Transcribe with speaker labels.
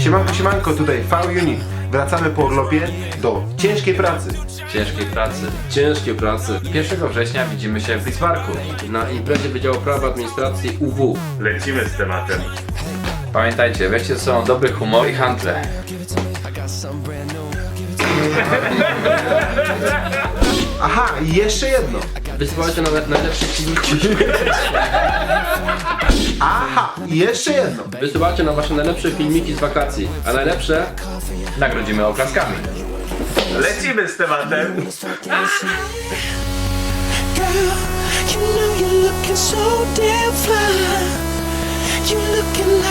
Speaker 1: Siemanko, tutaj V-Unit. Wracamy po urlopie do ciężkiej pracy.
Speaker 2: Ciężkiej pracy.
Speaker 3: 1 września widzimy się w Bismarcku.
Speaker 2: Na imprezie Wydziału Prawa Administracji UW.
Speaker 4: Lecimy z tematem.
Speaker 3: Pamiętajcie, weźcie ze sobą dobry humor i handle.
Speaker 1: Aha, i jeszcze jedno.
Speaker 2: Wysyłajcie najlepsze filmiki.
Speaker 1: Aha, i jeszcze jedno.
Speaker 2: Wysyłajcie na wasze najlepsze filmiki z wakacji. A najlepsze
Speaker 3: Nagrodzimy oklaskami.
Speaker 4: Lecimy z tematem.
Speaker 5: Girl, you know you're looking so damn fly. You looking